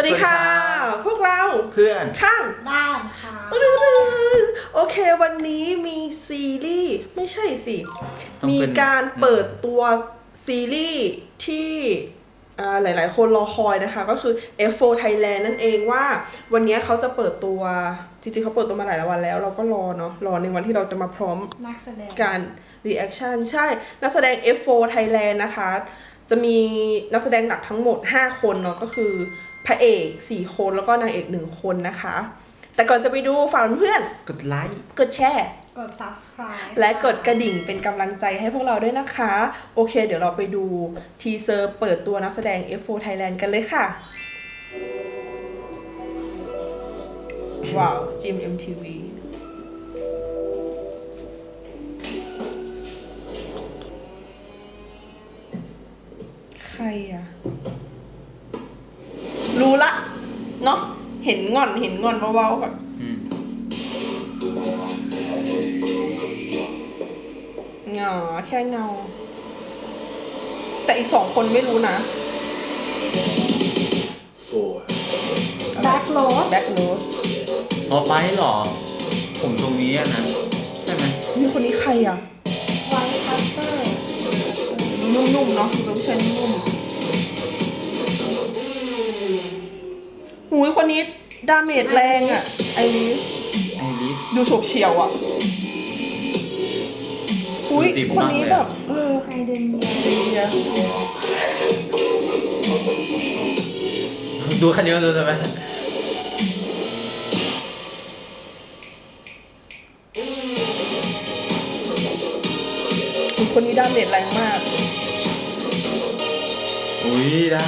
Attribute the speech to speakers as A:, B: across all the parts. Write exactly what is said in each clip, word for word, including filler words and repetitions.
A: วัสดีค่ะพวกเรา
B: เพื่อน
A: ข้าง
C: บ้านค่ะ
A: โอเควันนี้มีซีรีส์ไม่ใช่สิมี
B: มี
A: การเปิดตัวซีรีส์ที่หลายๆคนรอคอยนะคะก็คือ เอฟ โฟร์ Thailand นั่นเองว่าวันนี้เขาจะเปิดตัวจริงๆเขาเปิดตัวมาหลายวันแล้วเราก็รอเนาะรอในวันที่เราจะมาพร้อม
C: นักแสดง
A: การ reaction ใช่นักแสดง เอฟ โฟร์ Thailand นะคะจะมีนักแสดงหลักทั้งหมดห้าคนเนาะก็คือพระเอกสี่คนแล้วก็นางเอกหนึ่งคนนะคะแต่ก่อนจะไปดูฝากเพื่อน
B: กดไลค์
A: กดแชร์
C: กด subscribe
A: และกดกระดิ่งเป็นกำลังใจให้พวกเราด้วยนะคะโอเคเดี๋ยวเราไปดูทีเซอร์เปิดตัวนักแสดง เอฟ โฟร์ Thailand กันเลยค่ะว้าวจิม เอ็ม ที วี ใครอะรู้ละเนาะเห็นงอนเห็นงอนเบาๆแบบเงาแค่เงาแต่อีกสองคนไม่รู้นะ
C: Black Rose
A: Black Rose
B: อ๋อไปหรอผมตรงนี้อะนะใช่ไหม
A: นี่คนนี้ใครอ่ะ
C: White Cutter
A: นุ่มๆเนาะเราไม่ใช่นุ่มหูยคนนี้ดาเมจแรงอ่ะไอริส
B: ไอริส
A: ดูโฉบเฉี่ยวอ่ะอุ้ยคนนี้แบบเออ
C: ไอเดนเ
A: นีย
B: ดูคันนี้ดูใช่ไหม
A: คนนี้ดาเมจแรงมาก
B: อุ้ยได้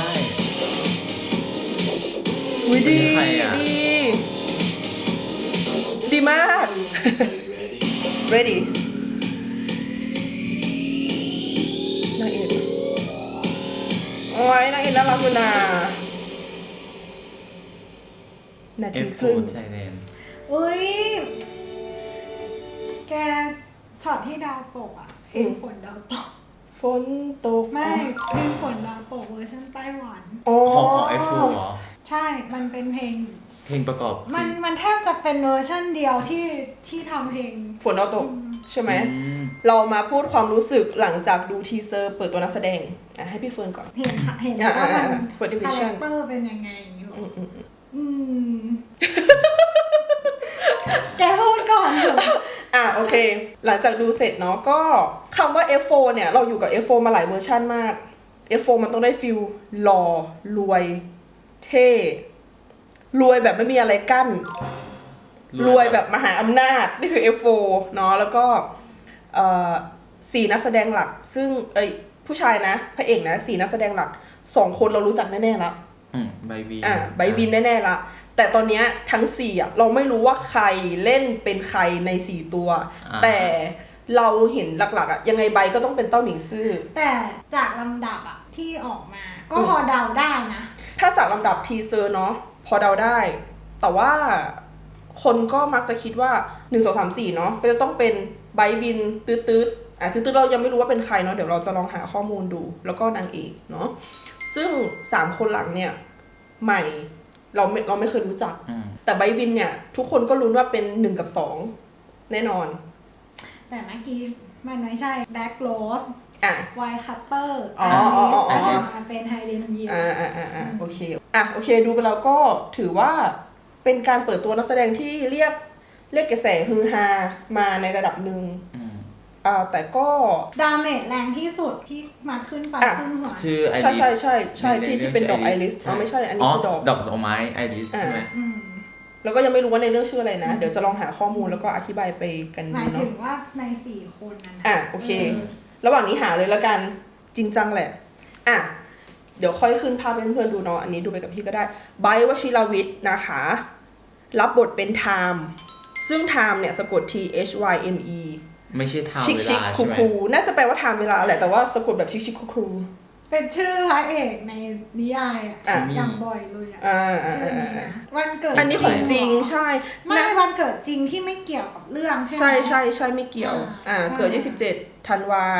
A: อุ้ยดีดีดีมาก ready นางเอกโอ้ยนางเอกน่ารักอยู่นะนาทีครึ่ง
B: เอฟ โฟร์ Thailand
C: อุ้ยแกช็อตที่ดาวตกอ่ะเพลงฝนดาวตก
A: ฝนตก
C: ไม่เพลงฝนดาวตกเวอร์ชันไต้หวัน
B: ของของ เอฟ โฟร์ เหรอ
C: ใช่มันเป็นเพลง
B: เพลงประกอบ
C: มันมันแทบจะเป็นเวอร์ชันเดียวที่ที่ทำเพลง
A: ฝนดาวตกใช่ไหมเรามาพูดความรู้สึกหลังจากดูทีเซอร์เปิดตัวนักแสดงอ่ะให้พี่เฟิร์นก่อน
C: เห็นค่ะเห็นว่ามันคาแรคเตอร์เป็นยังไงอย่างนี้หรออืมแกพูดก่อนเถอะ
A: อ่ะโอเคหลังจากดูเสร็จเนาะก็คำว่า เอฟ โฟร์ เนี่ยเราอยู่กับ เอฟ โฟร์ มาหลายเวอร์ชันมาก เอฟ โฟร์ มันต้องได้ฟิลหล่อรวยเท่รวยแบบไม่มีอะไรกั้นรวยแบบมหาอำนาจนี่คือ เอฟ โฟร์ เนาะแล้วก็เอ่อสี่นักแสดงหลักซึ่งเอ้ยผู้ชายนะพระเอกนะสี่นักแสดงหลักสองคนเรารู้จักแน่ๆแล้ว
B: อืมไบวิน
A: อ่ะไบวินแน่ๆละแต่ตอนนี้ทั้งสี่อ่ะเราไม่รู้ว่าใครเล่นเป็นใครในสี่ตัวแต่เราเห็นหลักๆอ่ะยังไงใบก็ต้องเป็นเต้าหมิงซื่อ
C: แต่จากลำดับอ่ะที่ออกมาก็พอเดาได้นะ
A: ถ้าจากลำดับทีเซอร์เนาะพอเดาได้แต่ว่าคนก็มักจะคิดว่าหนึ่ง สอง สาม สี่เนาะก็จะต้องเป็นไบวินตืดๆอ่ะตืดๆเรายังไม่รู้ว่าเป็นใครเนาะเดี๋ยวเราจะลองหาข้อมูลดูแล้วก็นางเอกเนาะซึ่งสามคนหลังเนี่ยใหม่เราไม่เราไม่เคยรู้จักแต่ไบวินเนี่ยทุกคนก็รู้ว่าเป็นหนึ่งกับสองแน่นอน
C: แต่เมื่อกี้มันไม่ใช่แบ็คโรส
A: อ่ะ
C: ไวท์คัตเตอร์
A: อ๋ออ๋ออ๋อ
C: มันเป็นไฮเดนเยีย
A: อ่าอ่าอ่าอ่าโอเคอ่ะโอเคดูไปแล้วก็ถือว่าเป็นการเปิดตัวนักแสดงที่เรียกเรียกกระแสฮือฮามาในระดับหนึ่งอ่าแต่ก็
C: ดาเมจแรงที่สุดที่มาขึ้นไปขึ้นหัว
B: ชื่อไอริส
A: ใช่ใช่ใช่ใช่ที่ที่เป็นดอกไอริสอ๋อไม่ใช่อันนี้คือดอก
B: ดอกดอกไม้ไอริสใช่ไหม
A: แล้วก็ยังไม่รู้ว่าในเรื่องชื่ออะไรนะเดี๋ยวจะลองหาข้อมูลแล้วก็อธิบายไปกัน
C: หมายถึงว่าในสี่คนนั้น
A: อ่ะโอเคระหว่างนี้หาเลยแล้วกันจริงจังแหละอ่ะเดี๋ยวค่อยขึ้นภาพให้เพื่อนๆดูเนาะอันนี้ดูไปกับพี่ก็ได้ไบร์ท วชิรวิทย์นะคะรับบทเป็นไทม์ซึ่งไทม์เนี่ยสะกด T H Y M E
B: ไม่ใช่ไทม์เวลาใช่ไหม
A: น่าจะแปลว่าไทม์เวลาแหละแต่ว่าสะกดแบบชิคชิคคูคู
C: เป็นชื่อพระเอกในนิยายอ่ะอย่างบ่อยเลยอ่ะชื่อนี้นะวันเกิด
A: อันนี้ของจริงใช่
C: ไม่วันเกิดจริงที่ไม่เกี่ยวกับเรื่องใช่ไหม
A: ใช่ใช่ใช่ไม่เกี่ยวอ่าเกิดยี่สิบเจ็ดธันวา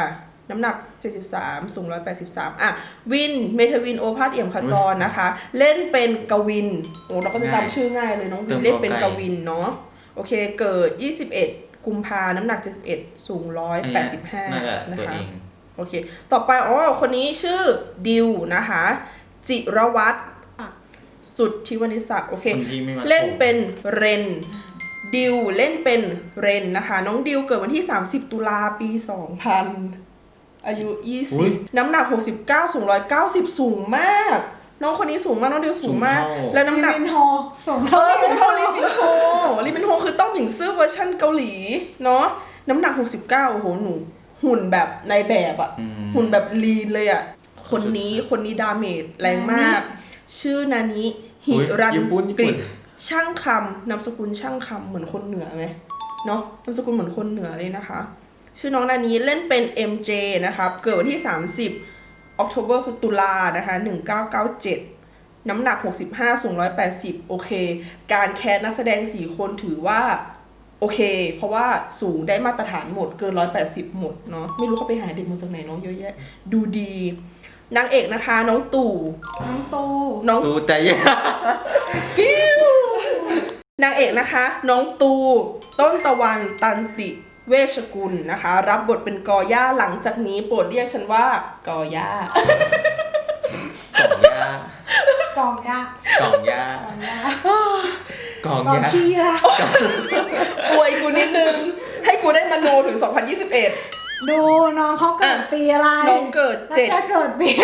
A: น้ำหนักเจ็ดสิบสามสูงหนึ่งร้อยแปดสิบสามอ่ะวินเมทวินโอภาสเอี่ยมขจรนะคะ เล่นเป็นกวินโอ้เราก็จะจำชื่อง่ายเลยน้องวินเล่นเป็นกวินเนาะโอเคเกิดยี่สิบเอ็ดกุมภาน้ำหนักเจ็ดสิบเอ็ดสูงหนึ่งร้อยแปดสิบห้านะคะโอเคต่อไปอ๋อคนนี้ชื่อดิวนะคะจิรวัฒน์สุทธิวณิศักดิ์โอเคเล่นเป็นเรนดิวเล่นเป็นเรนนะคะน้องดิวเกิดวันที่สามสิบตุลาปีสองพันอายุยี่สิบน้ำหนักหกสิบเก้าสูงหนึ่งร้อยเก้าสิบสูงมากน้องคนนี้สูงมากน้องดิวสูงมากและน้ำหนัก
C: ลิมินโฮสูง
A: เท่าสูงเท่าลิมินโฮลิมินโฮคือเต้าหมิงซื่อเวอร์ชันเกาหลีเนาะน้ำหนักหกสิบเก้าโอ้โหหนูหุ่นแบบในแบบอ่ะหุ่นแบบลีนเลยอ่ะคนนี้คนนี้ดาเมจแรงมากชื่อนานิหิรันกฤษช่างคำนามสกุลช่างคำเหมือนคนเหนือไหมเนาะนามสกุลเหมือนคนเหนือเลยนะคะชื่อน้องนานิเล่นเป็น เอ็ม เจ นะครับเกิดวันที่สามสิบออกโทเบอร์คือตุลานะคะหนึ่งเก้าเก้าเจ็ดน้ำหนักหกสิบห้าสูงหนึ่งร้อยแปดสิบโอเคการแคสนักแสดงสี่คนถือว่าโอเคเพราะว่าสูงได้มาตรฐานหมดเกินหนึ่งร้อยแปดสิบหมดเนาะไม่รู้เขาไปหาเด็กมาจากไหนเนาะเยอะแยะดูดีนางเอกนะคะน้องตู่
C: น้องตู่
A: น้อง
B: ตู่ใจเย็น
A: ปิ้วนางเอกนะคะน้องตู่ต้นตะวันตันติเวชกุลนะคะรับบทเป็นกอย่าหลังจากนี้โปรดเรียกฉันว่ากอย่าก
B: ล่องย่าก
C: ล่องย่า
B: กล่องย่ากล่อง
C: ย่าขี้ยา
A: อวยกูนิดนึงให้กูได้มโนถึงสองพันยี่สิบเอ็ด
C: ดูน้องเขาเกิดปีอะไร
A: น้องเกิดเจ็ด
C: จะเกิดปี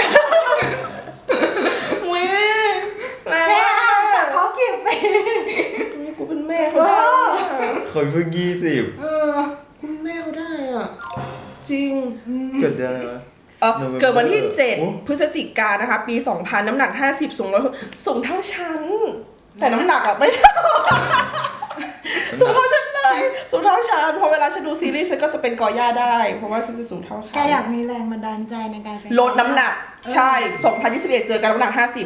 A: อุ้ยแ
C: ม่จากเขากี่ปี
A: กูเป็นแม่เขาได้
B: คนเพิ่งยี่สิบ
A: เออคุณแม่เขาได้อ่ะจริง
B: เกิดเดือนอะไรวะ
A: เกิดวันที่เจ็ดพฤศจิกายนนะคะปีสองพันน้ำหนักห้าสิบสูงร้อยสูงเท่าฉันแต่น้ำหนักอ่ะไม่เท่าสูงเท่าฉันเลยสูงเท่าฉันพอเวลาฉันดูซีรีส์ฉันก็จะเป็นกอย่าได้เพราะว่าฉันจะสูงเท่าเขา
C: แกอยากมีแรงบันดาลใจในการ
A: ลดน้ำหนักใช่สองพันยี่สิบเอ็ดเจอกันน้ำหนักห้าสิบ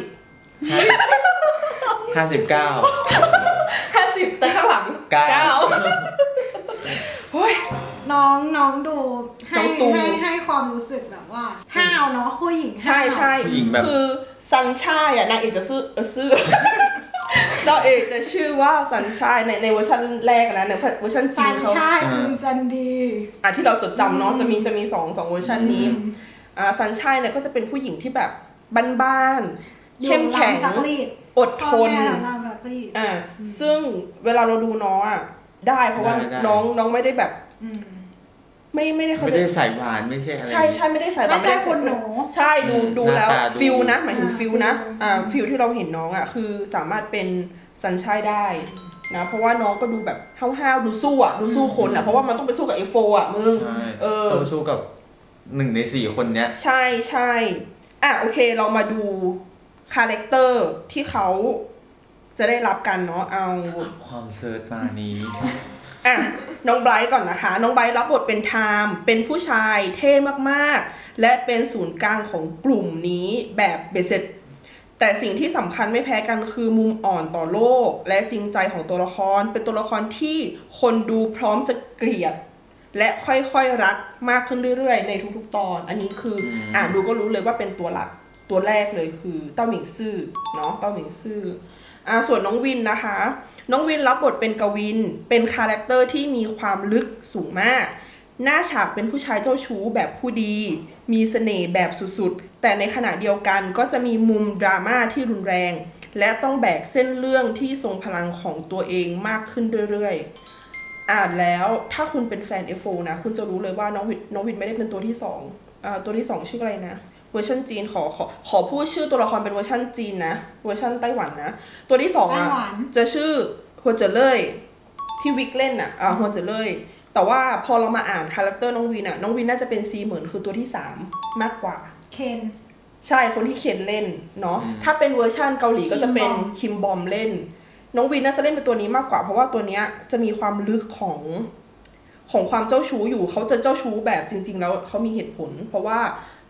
B: ห้าสิบเก้า
A: ห้าสิบแต่ข้างหลังเก้าโอ้ย
C: น้องน้องดูให้ให้ให้ความรู้สึกแบบว่าห้าวเนาะผู้หญิง
A: ใช่ใช่คือซันชายอ่ะนางเอกจะซื้อเออซื้อนางเอกจะชื่อว่าซันชายในในเวอร์ชันแรกนะในเวอร์ชันจีนเขา
C: ซันชายคุณจันดี
A: อ่ะที่เราจดจำเนาะจะมีจะมีสองสองเวอร์ชันนี้อ่าซันชายเนี่ยก็จะเป็นผู้หญิงที่แบบบ้านๆเข้มแข็งอดทนอ่าซึ่งเวลาเราดูน้องอ่ะได้เพราะว่าน้องน้องไม่ได้แบบไม่ไม่ได้เขา
B: ไม่ได้ใส่หวานไม่ใช่อะไร
A: ใช่ใช่ไม่ได้ใส่หวาน
C: ไม่ใช่คนหนู
A: ใช่ดูดูแล้วฟิลนะหมายถึงฟิลนะอ่าฟิลที่เราเห็นน้องอ่ะคือสามารถเป็นซันชัยได้นะเพราะว่าน้องก็ดูแบบห้าวๆดูสู้อ่ะดูสู้คนอ่ะเพราะว่ามันต้องไปสู้กับเอฟโฟอ่ะมึง
B: เออต้องสู้กับหนึ่งในสี่คนเนี้ย
A: ใช่ใช่อ่ะโอเคเรามาดูคาแรคเตอร์ที่เขาจะได้รับกันเนาะเอา
B: ความเซิร์ชมานี้
A: อ่ะน้องไบรท์ก่อนนะคะน้องไบรท์รับบทเป็นไทม์เป็นผู้ชายเท่มากๆและเป็นศูนย์กลางของกลุ่มนี้แบบเบสเซ็ตแต่สิ่งที่สำคัญไม่แพ้กันคือมุมอ่อนต่อโลกและจริงใจของตัวละครเป็นตัวละครที่คนดูพร้อมจะเกลียดและค่อยๆรักมากขึ้นเรื่อยๆในทุกๆตอนอันนี้คืออ่านดูก็รู้เลยว่าเป็นตัวหลักตัวแรกเลยคือเต้าหมิงซื่อเนาะเต้าหมิงซื่ออ่าส่วนน้องวินนะคะน้องวินรับบทเป็นกวินเป็นคาแรคเตอร์ที่มีความลึกสูงมากหน้าฉากเป็นผู้ชายเจ้าชู้แบบผู้ดีมีเสน่ห์แบบสุดๆแต่ในขณะเดียวกันก็จะมีมุมดราม่าที่รุนแรงและต้องแบกเส้นเรื่องที่ทรงพลังของตัวเองมากขึ้นเรื่อยๆอ่านแล้วถ้าคุณเป็นแฟน เอฟ โฟ นะคุณจะรู้เลยว่าน้องวินน้องวินไม่ได้เป็นตัวที่สองอ่าตัวที่สองชื่ออะไรนะเวอร์ชันจีนขอขอขอพูดชื่อตัวละครเป็นเวอร์ชันจีนนะเวอร์ชันไต้หวันนะตัวที่สองอ่ะจะชื่อหัวเจ๋อเล่ยที่วิกเล่นอ่ะอ่าหัวเจ๋อเล่ยแต่ว่าพอเรามาอ่านคาแรคเตอร์น้องวินอ่ะน้องวินน่าจะเป็นซีเหมือนคือตัวที่สามมากกว่า
C: เคน
A: ใช่คนที่เคนเล่นเนาะถ้าเป็นเวอร์ชันเกาหลีก็จะเป็นคิมบอมเล่นน้องวินน่าจะเล่นเป็นตัวนี้มากกว่าเพราะว่าตัวเนี้ยจะมีความลึกของของความเจ้าชู้อยู่เขาจะเจ้าชู้แบบจริงๆแล้วเขามีเหตุผลเพราะว่า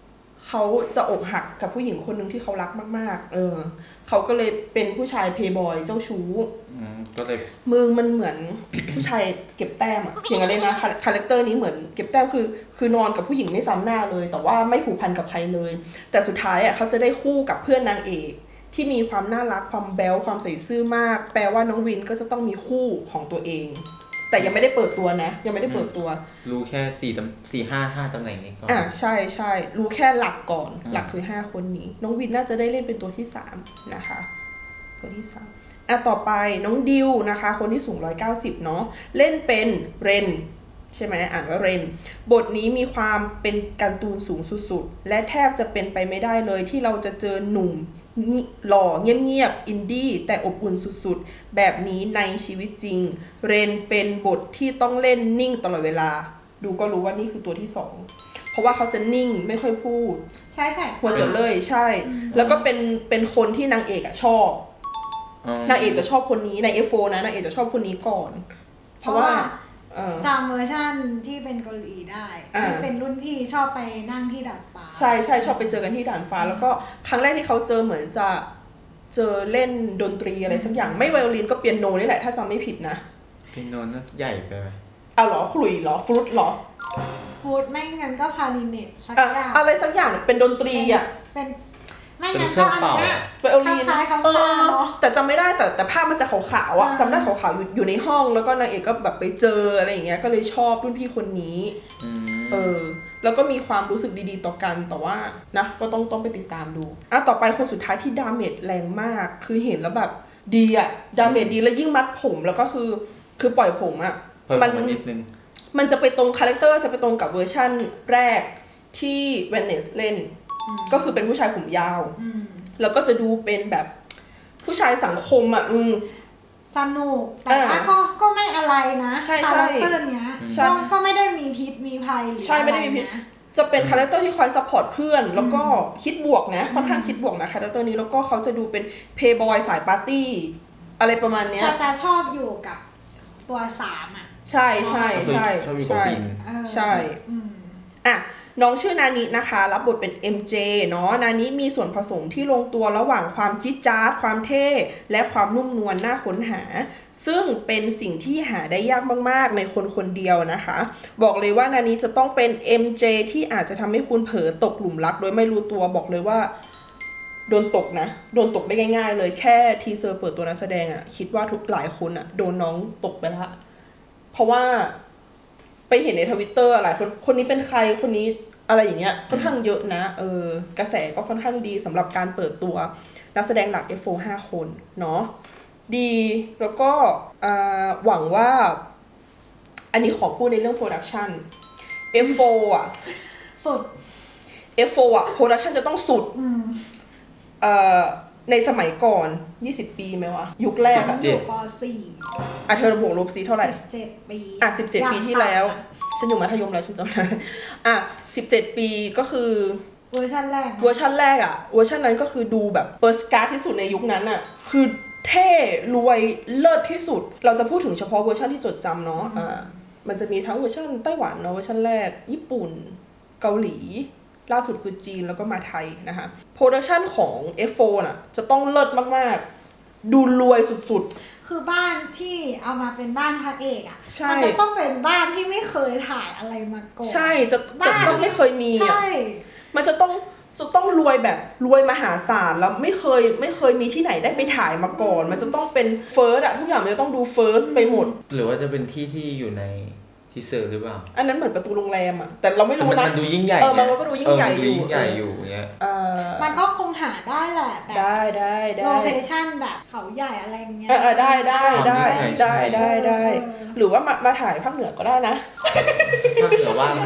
A: เขาจะอกหักกับผู้หญิงคนหนึ่งที่เขารักมากๆเออเขาก็เลยเป็นผู้ชายเพย์บอยเจ้าชู้
B: ก็เลย
A: มึงมันเหมือน ผู้ชายเก็บแต้มอะเพียงอะไรนะคาแรคเตอร์นี้เหมือนเก็บแต้มคือคือนอนกับผู้หญิงไม่ซ้ำหน้าเลยแต่ว่าไม่ผูกพันกับใครเลยแต่สุดท้ายอ่ะเขาจะได้คู่กับเพื่อนนางเอกที่มีความน่ารักความแบ๊วความใส่ซื่อมากแปลว่าน้องวินก็จะต้องมีคู่ของตัวเองแต่ยังไม่ได้เปิดตัวนะยังไม่ได้เปิดตัว
B: รู้แค่สี่ตำสี่ห้าห้าตำแหน่งนี้ก่อน
A: อ่าใช่ใช่รู้แค่หลักก่อนหลักคือห้าคนนี้น้องวินน่าจะได้เล่นเป็นตัวที่สามนะคะตัวที่สามอ่ะต่อไปน้องดิวนะคะคนที่สูงหนึ่งร้อยเก้าสิบเนาะเล่นเป็นเรนใช่ไหมอ่านว่าเรนบทนี้มีความเป็นการ์ตูนสูงสุดๆและแทบจะเป็นไปไม่ได้เลยที่เราจะเจอหนุ่มหล่อเงียบๆอินดี้แต่อบอุ่นสุดๆแบบนี้ในชีวิตจริงเรนเป็นบทที่ต้องเล่นนิ่งตลอดเวลาดูก็รู้ว่านี่คือตัวที่สองเพราะว่าเขาจะนิ่งไม่ค่อยพูด
C: ใช่ใช่
A: หัวเจ๋อเลยใช่แล้วก็เป็นเป็นคนที่นางเอกอะชอบนางเอกจะชอบคนนี้ใน เอฟ โฟร์ นะนางเอกจะชอบคนนี้ก่อนเพราะว่า
C: จำเวอร์ชันที่เป็นเกาหลีได้ที่เป็นรุ่นพี่ชอบไปนั่งที่ดาดฟ้า
A: ใช่ใช่ชอบไปเจอกันที่ดาดฟ้าแล้วก็ครั้งแรกที่เขาเจอเหมือนจะเจอเล่นดนตรีอะไรสักอย่างไม่ไวโอลินก็เปียโนนี่แหละถ้าจำไม่ผิดนะ
B: เปียโนน่าใหญ่ไปไหม
A: เอาหรอขลุ่ยหรอฟลุตหรอ
C: ฟลุตไม่งั้นก็คลาริเนตสักอย่าง
A: อะไรสักอย่างเป็นดนตรีอ่ะ
C: เป็นไม่งั้นก็อันเนี้ย
A: ไวโอลินเออแต่จำไม่ได้แต่แต่ภาพมันจะขาวๆอ่ะจำได้ขาวๆอยู่อยู่ในห้องแล้วก็นางเอกก็แบบไปเจออะไรอย่างเงี้ยก็เลยชอบรุ่นพี่คนนี้เออแล้วก็มีความรู้สึกดีๆต่อกันแต่ว่านะก็ต้องต้องไปติดตามดูอ่ะต่อไปคนสุดท้ายที่ดาเมจแรงมากคือเห็นแล้วแบบดีอ่ะดาเมจดีแล้วยิ่งมัดผมแล้วก็คือคือปล่อยผมอ่ะ
B: มันนิดนึง
A: มันจะไปตรงคาแรคเตอร์จะไปตรงกับเวอร์ชั่นแรกที่เวนเนสเล่นก็คือเป็นผู้ชายผมยาวแล้วก็จะดูเป็นแบบผู้ชายสังคมอ่ะอืม
C: สนุกแต่ว่าก็ก็ไม่อะไรนะคาแรคเตอร์เนี้ยก็ก็ไม่ได้มีพิษมีภัยหรืออะไรนะใช่ไม่ได้มีพิษ
A: จะเป็นคาแรคเตอร์ที่คอยซัพพอร์ตเพื่อนแล้วก็คิดบวกนะค่อนข้างคิดบวกนะคาแรคเตอร์นี้แล้วก็เขาจะดูเป็นเพย์บอยสายปาร์ตี้อะไรประมาณเนี้ย
C: จะจะชอบอยู่กับตัวสามอ่ะ
A: ใช่ใช่ใช่ใช่ใช่อ่ะน้องชื่อนานินะคะรับบทเป็น เอ็ม เจ เนาะนานิมีส่วนผสมที่ลงตัวระหว่างความจิ๊ดจ๊าดความเท่และความนุ่มนวลน่าค้นหาซึ่งเป็นสิ่งที่หาได้ยากมากๆในคนคนเดียวนะคะบอกเลยว่านานิจะต้องเป็น เอ็ม เจ ที่อาจจะทำให้คุณเผลอตกหลุมรักโดยไม่รู้ตัวบอกเลยว่าโดนตกนะโดนตกได้ง่ายๆเลยแค่ทีเซอร์เปิดตัวนักแสดงอะคิดว่าทุกหลายคนอะโดนน้องตกไปละเพราะว่าไปเห็นใน Twitter หลายคนคนนี้เป็นใครคนนี้อะไรอย่างเงี้ยค่อนข้างเยอะนะเออกระแสก็ค่อนข้างดีสำหรับการเปิดตัวนักแสดงหลัก เอฟ โฟร์ ห้าคนเนาะดีแล้วก็หวังว่าอันนี้ขอพูดในเรื่องโปรดักชัน เอฟ โฟร์ อ่ะ
C: สุด
A: เอฟ โฟร์ อ่ะโปรดักชันจะต้องสุดเอ่อในสมัยก่อนยี่สิบปีไหมวะยุคแรกอ่ะ
C: อยู่ป.สี่
A: อ่ะเธอระบุลบซีเท่าไหร่
C: สิบเจ็ดปี
A: อ่ะสิบเจ็ดปีที่แล้วฉันอยู่มัธยมแล้วฉันจำได้อ่ะสิบเจ็ดปีก็คือ
C: เวอร์ชันแรก
A: เวอร์ชันแรกอ่ะเวอร์ชันนั้นก็คือดูแบบเปิร์สการ์ดที่สุดในยุคนั้นอ่ะคือเท่รวยเลิศที่สุดเราจะพูดถึงเฉพาะเวอร์ชันที่จดจำเนาะอ่ามันจะมีทั้งเวอร์ชันไต้หวันเนาะเวอร์ชันแรกญี่ปุ่นเกาหลีล่าสุดคือจีนแล้วก็มาไทยนะคะโปรดักชันของ เอฟ โฟร์ น่ะจะต้องเลิศมากๆดูรวยสุดๆ
C: คือบ้านที่เอามาเป็นบ้านพระเอกอ่ะมันจะต้องเป็นบ้านที่ไม่เคยถ่ายอะไรมาก่อน
A: ใช่จะจะต้องไม่เคยมีอ่ะมันจะต้องจะต้องรวยแบบรวยมหาศาลแล้วไม่เคยไม่เคยมีที่ไหนได้ไปถ่ายมาก่อนมันจะต้องเป็นเฟิร์สอะทุกอย่างมันจะต้องดูเฟิร์สไปหมด
B: หรือว่าจะเป็นที่ที่อยู่ในทีเซอร์หรือเปล่า
A: อันนั้นเหมือนประตูโรงแรมอ่ะแต่เราไม่รู้
B: นะมันดูยิ่งใหญ่
A: เออมันก็ดูยิ่งใหญ่อยู่
B: ยิ่งใหญ่อยู่เงี้ย
C: เออมันก็คงหาได้แหละแบบ
A: ได้ได้ได้
C: โลเคชั่นแบบเขาใหญ่อะไรเงี้ย
A: เออได้ได้ได้ได้ได้ได้หรือว่ามามาถ่ายภาคเหนือก็ได้นะ
B: ภาคเหนือว่า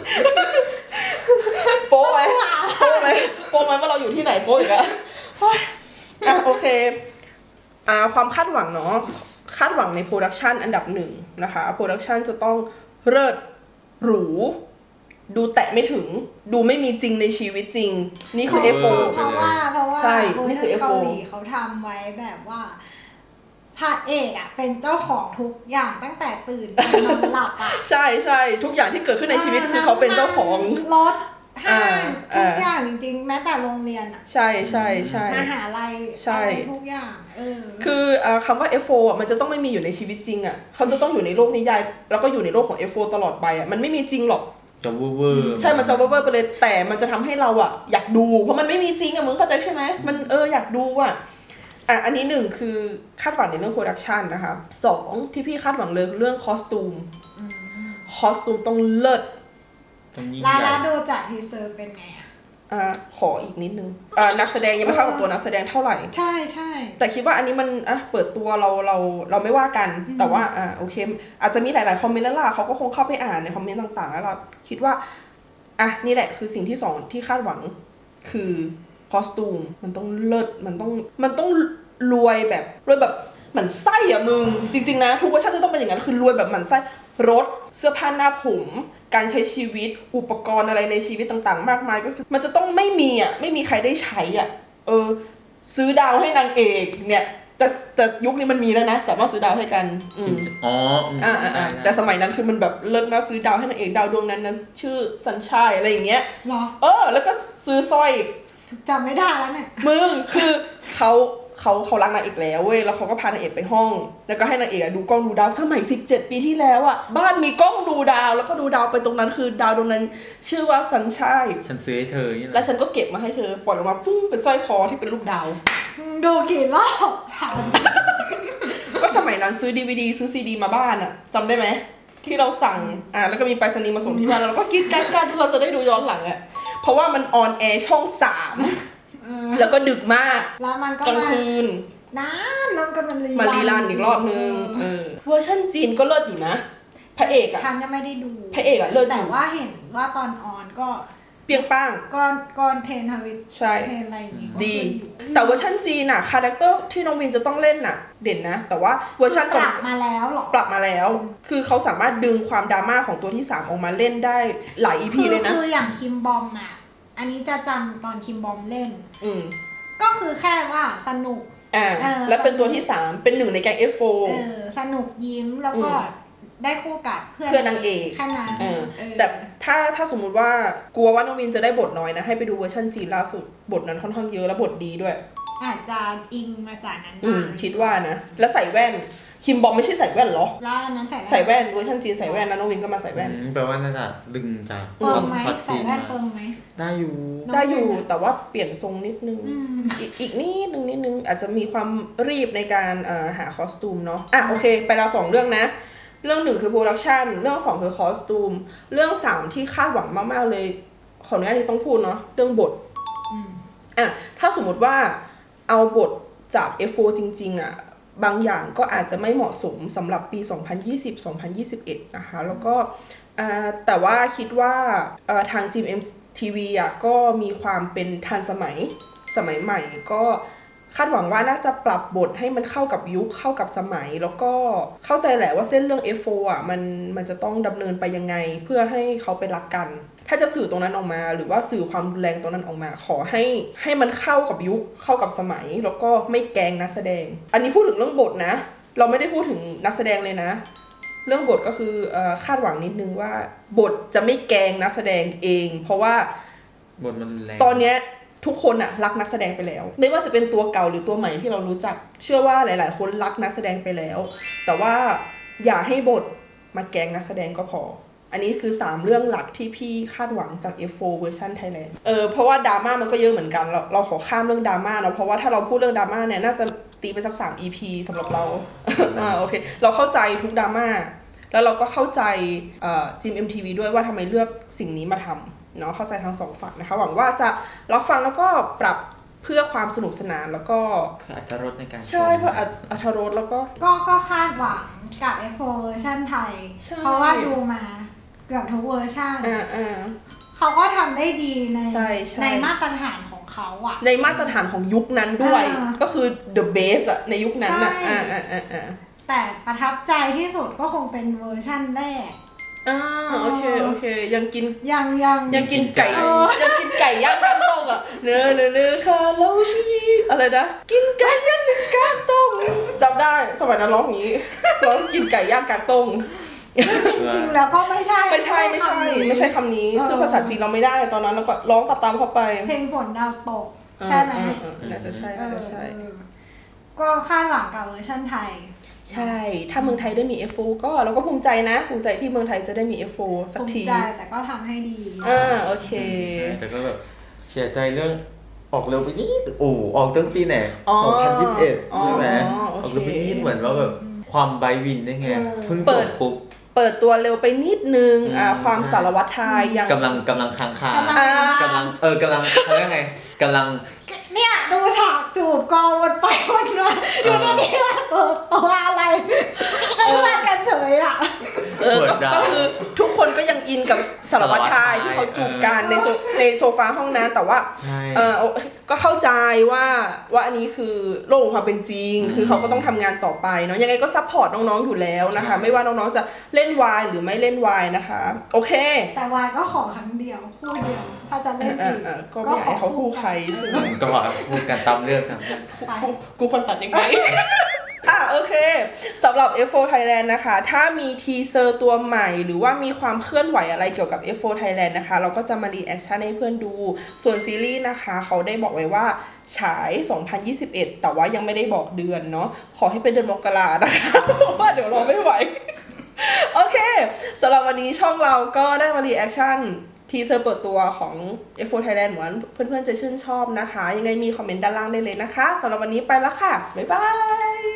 A: โป๊ะไหมโป๊ะไหมโป๊ะไหมว่าเราอยู่ที่ไหนโป๊ะอีกอะอ่ะโอเคอ่าความคาดหวังเนาะคาดหวังในโปรดักชันอันดับหนึ่งนะคะโปรดักชันจะต้องเลิศหรูดูแตะไม่ถึงดูไม่มีจริงในชีวิตจริงนี่คือ เอฟ โฟร์
C: เพราะว่าเพราะว่า
A: ใช่นี่คือ เอฟ โฟร์
C: เกาหลีเขาทำไว้แบบว่าพระเอกอ่ะเป็นเจ้าของทุกอย่างตั้งแต่ตื่นจนนอนหลับอ่ะ
A: ใช่ใช่ทุกอย่างที่เกิดขึ้นในชีวิตคือเขาเป็นเจ้าของ
C: รถห้างทุกอย่างจริงๆแม้แต่โรงเรียนอ่ะ
A: ใช่ใช่ใช่
C: มหาลัยอะไรทุกอย่างเออ
A: คือคำว่า เอฟ โฟร์ อ่ะมันจะต้องไม่มีอยู่ในชีวิตจริงอ่ะเขาจะต้องอยู่ในโลกนิยายแล้วก็อยู่ในโลกของ เอฟ โฟร์ ตลอดไปอ่ะมันไม่มีจริงหรอก
B: จะเวอร์
A: ใช่มันจะเวอร์ไปเลยแต่มันจะทำให้เราอ่ะอยากดูเพราะมันไม่มีจริงอ่ะมึงเข้าใจใช่ไหมมันเอออยากดูอ่ะอ่ะอันนี้หนึ่งคือคาดหวังในเรื่องโปรดักชันนะคะสองที่พี่คาดหวังเลยเรื่องคอสตูมคอสตูมต้องเลิศ
C: ลาลาดูจากทีเซอร์เป็นไงอ่ะ
A: อ่าขออีกนิดนึงอ่านักแสดงยังไม่เข้ากับตัวนักแสดงเท่าไหร่
C: ใช่ใช่
A: แต่คิดว่าอันนี้มันอ่ะเปิดตัวเราเราเราไม่ว่ากันแต่ว่าอ่าโอเคอาจจะมีหลายๆคอมเมนต์แล้วล่ะเขาก็คงเข้าไปอ่านในคอมเมนต์ต่างๆแล้วเราคิดว่าอ่ะนี่แหละคือสิ่งที่สองที่คาดหวังคือคอสตูมมันต้องเลิศมันต้องมันต้องรวยแบบรวยแบบหมันไส้อะมึงจริงๆนะทุกเวอร์ชันจะต้องเป็นอย่างนั้นคือรวยแบบหมันไส้รถเสื้อผ้าหน้าผมการใช้ชีวิตอุปกรณ์อะไรในชีวิตต่างๆมากมายก็คือมันจะต้องไม่มีอ่ะไม่มีใครได้ใช้อ่ะเออซื้อดาวให้นางเอกเนี่ยแต่แต่ยุคนี้มันมีแล้วนะสามารถซื้อดาวให้กัน
B: อ๋อ
A: อ่าอ่าแต่สมัยนั้นคือมันแบบเลิศนะซื้อดาวให้นางเอกดาวดวงนั้นนะชื่อสัญชัยอะไรอย่างเงี้ย
C: หรอ
A: เออแล้วก็ซื้อสร้อย
C: จำไม่ได้แล้วเนี่ย
A: มึงคือเขาเขาเขารักนางเอกแล้วเว้ยแล้วเขาก็พานางเอกไปห้องแล้วก็ให้นางเอกดูกล้องดูดาวสมัยสิบเจ็ดปีที่แล้วอ่ะบ้านมีกล้องดูดาวแล้วก็ดูดาวไปตรงนั้นคือดาวดวงนั้นชื่อว่าสัญชัย
B: ฉันซื้อให้เธอนี่แหละ
A: แล้วฉันก็เก็บมาให้เธอปล่อยออกมาฟุ้งเป็นสร้อยคอที่เป็นรูปดาว
C: ดูกี่รอบถาม
A: ก็สมัยนั้นซื้อ ดี วี ดี ซื้อ ซี ดี มาบ้านอ่ะจำได้ไหมที่เราสั่งอ่าแล้วก็มีไปรษณีย์มาส่งที่บ้านแล้วก็กินกันกันเราจะได้ดูย้อนหลังอ่ะเพราะว่ามันออนแอร์ช่องสามแล้วก็ดึกมาก
C: แล้วมันก็
A: กลางคืน
C: นานมันก็มัน
A: รีมารีรันอีกรอบนึงเออเวอร์ชันจีนก็เลิศอยู่นะพระเอกอ่ะ
C: ฉันยังไม่ได้ดู
A: พระเอกอ่ะเลิศ
C: แต่ว่าเห็นว่าตอนออนก็
A: เปียงป้าง
C: ก่อนก่อนเทนทวิต
A: ใช่
C: เทนอะไรอย่างงี้
A: ดีแต่เวอร์ชันจีนอ่ะคาแรคเตอร์ที่น้องวินจะต้องเล่นน่ะเด่นนะแต่ว่าเวอร์ชัน
C: ปรับมาแล้วหรอ
A: ปรับมาแล้วคือเขาสามารถดึงความดราม่าของตัวที่สามออกมาเล่นได้หลาย อี พี เลยนะ
C: คืออย่างคิมบอมอ่ะอันนี้จะจำตอนคิมบอมเล่น
A: อืม
C: ก็คือแค่ว่าสนุก
A: อ่าแล้วเป็นตัวที่สามเป็นหนึ่งในแก๊ง เอฟ โฟร์
C: เออสนุกยิ้มแล้วก็ได้คู่กับเพื่อน
A: เพื่อนนางเอก
C: แค่นั้น
A: แต่ถ้าถ้าสมมุติว่ากลัวว่าน้องวินจะได้บทน้อยนะให้ไปดูเวอร์ชันจีนล่าสุดบทนั้นค่อนข้างเยอะแล้วบทดีด้วย
C: อาจจะอิงมาจากนั้น
A: อืมคิดว่านะแล้วใส่แว่นคิมบอมไม่ใช่ใส่แว่นหรอ
C: แล้วอันนั้นใส่
A: ใส่แว่นเวอร์ชันจีนใส่แว่นนะน้องวินก็มาใส่แว่น
B: แปลว่าน่าจะดึงจาก
C: เปิงไหมใส่แว่นเปิงไหม
B: ได้อยู่
A: ได้อยู่แต่ว่าเปลี่ยนทรงนิดนึงอีกอีกนิดนึงนิดนึงอาจจะมีความรีบในการเอ่อหาคอสตูมเนาะอ่ะโอเคไปแล้วสองเรื่องนะเรื่องหนึ่งคือโปรดักชันเรื่องสองคือคอสตูมเรื่องสามที่คาดหวังมากๆเลยขออนุญาตที่ต้องพูดเนาะเรื่องบทอ่ะถ้าสมมติว่าเอาบทจาก เอฟ โฟร์ จริงๆอ่ะบางอย่างก็อาจจะไม่เหมาะสมสำหรับปี สองพันยี่สิบ สองพันยี่สิบเอ็ด นะคะแล้วก็แต่ว่าคิดว่าทาง จี เอ็ม ที วี อ่ะก็มีความเป็นทันสมัยสมัยใหม่ก็คาดหวังว่าน่าจะปรับบทให้มันเข้ากับยุคเข้ากับสมัยแล้วก็เข้าใจแหละว่าเส้นเรื่อง เอฟ โฟร์ อ่ะมันมันจะต้องดำเนินไปยังไงเพื่อให้เขาไปรักกันถ้าจะสื่อตรงนั้นออกมาหรือว่าสื่อความรุนแรงตรงนั้นออกมาขอให้ให้มันเข้ากับยุคเข้ากับสมัยแล้วก็ไม่แกล้งนักแสดงอันนี้พูดถึงเรื่องบทนะเราไม่ได้พูดถึงนักแสดงเลยนะเรื่องบทก็คือเอ่อคาดหวังนิดนึงว่าบทจะไม่แกล้งนักแสดงเองเพราะว่า
B: บทมันแรง
A: ตอนเนี้ยทุกคนอะรักนักแสดงไปแล้วไม่ว่าจะเป็นตัวเก่าหรือตัวใหม่ที่เรารู้จักเชื่อว่าหลายๆคนรักนักแสดงไปแล้วแต่ว่าอย่าให้บทมาแกล้งนักแสดงก็พออันนี้คือสามเรื่องหลักที่พี่คาดหวังจาก เอฟ โฟร์ เวอร์ชัน Thailand เออเพราะว่าดราม่ามันก็เยอะเหมือนกันเราเราขอข้ามเรื่องดราม่าเนาะเพราะว่าถ้าเราพูดเรื่องดราม่าเนี่ยน่าจะตีไปสักสาม อี พี สำหรับเรา อ่าโอเคเราเข้าใจทุกดราม่าแล้วเราก็เข้าใจเอ่อ จี เอ็ม ที วี ด้วยว่าทำไมเลือกสิ่งนี้มาทำเนาะเข้าใจทั้งสองฝั่งนะคะหวังว่าจะรับฟังแล้วก็ปรับเพื่อความสนุกสนานแล้วก็
B: เพื่ออรรถรสในการ
A: ใช่เพื่ออรรถรสแล้วก็
C: ก็ก็คาดหวังกับ เอฟ โฟร์ เวอร์ชันไทยเพราะว่าดูมาเกือบทุกเวอร์ชันเขาก็ทำได้ดีในในมาตรฐานของเขาอะ
A: ในมาตรฐานของยุคนั้นด้วยก็คือ the best อะในยุคนั้นอะอ่าอ่าอ่าอ่า
C: แต่ประทับใจที่สุดก็คงเป็นเวอร์ชันแรก
A: อ่าโอเคโอเคยังกิน
C: ยังยัง
A: ยังกินไก่ยังกินไก่ย่างกลางตงอ่ะเนื้อเนื้อเนื้อคาโลชีอะไรนะกินไก่ย่างกลางตงจำได้สมัยนั้นร้องอย่างนี้ร้องกินไก่ย่างกลางตง
C: จริงๆแล้วก็ไม่ใช่
A: ไม่ใช่ไม่ใช่ไม่ใช่คำนี้ซึ่งภาษาจีนเราไม่ได้ตอนนั้นเราก็ร้องตามๆเข้าไป
C: เพลงฝนดาวตกใช่ไหม
A: น่าจะใช่น่าจะใช่
C: ก็คาดหวังกับเวอร์ชันไทย
A: ใช่ถ้าเมืองไทยได้มี เอฟ โฟร์ ก็เราก็ภูมิใจนะภูมิใจที่เมืองไทยจะได้มี เอฟ โฟร์ สักที
C: ภูมิใจแต่ก็ทำให้ดี
A: อ่าโอเค
B: แต่ก็แบบเสียใจเรื่องออกเร็วไปนิดโอ้ออกตั้งปีไหนสองพันยี่สิบเอ็ดใช่ไหมออกเร็วไปนิดเหมือนว่าแบบความไบวินได้ไงเพิ่งจบปุ๊บ
A: เปิดตัวเร็วไปนิดนึงอ่าความสารวัตรไทยยัง
B: กำลังกำลังค้างคากำลังเออกำลังเขาเรียกไงกำลัง
C: เนี่ยดูฉากจูบกองวนไปวนมาอยู่ในนี้ว่าเออตัวอะไรเออกันเฉยอ่ะ
A: เออก็คือทุกคนก็ยังอินกับสารวัตรไทยที่เขาจูบกันในในโซฟาห้องนั้นแต่ว่าเออก็เข้าใจว่าว่าอันนี้คือโลกของความเป็นจริงคือเขาก็ต้องทำงานต่อไปเนาะยังไงก็ซัพพอร์ตน้องๆอยู่แล้วนะคะไม่ว่าน้องๆจะเล่นวายหรือไม่เล่นวายนะคะโอเค
C: แต่วายก็ขอครั้งเดียวคู่เดียวถ้าจะเล่นอีก
A: ก็ไม่อยากให้เขาคู่ใครใช่ไหม
B: ก็ขอพูดกันตามเรื่องตามเรื่อง
A: กูคนตัดยังไงอ่ะโอเคสำหรับ เอฟ โฟร์ Thailand นะคะถ้ามีทีเซอร์ตัวใหม่หรือว่ามีความเคลื่อนไหวอะไรเกี่ยวกับ เอฟ โฟร์ Thailand นะคะเราก็จะมารีแอคชั่นให้เพื่อนดูส่วนซีรีส์นะคะเขาได้บอกไว้ว่าฉายสองพันยี่สิบเอ็ดแต่ว่ายังไม่ได้บอกเดือนเนาะขอให้เป็นเดือนมกรานะคะเพราะว่าเดี๋ยวรอไม่ไหวโอเคสำหรับวันนี้ช่องเราก็ได้มารีแอคชั่นทีเซอร์เปิดตัวของ เอฟ โฟร์ Thailand เหมือนเพื่อนๆจะชื่นชอบนะคะยังไงมีคอมเมนต์ด้านล่างได้เลยนะคะสำหรับวันนี้ไปแล้วค่ะบ๊ายบาย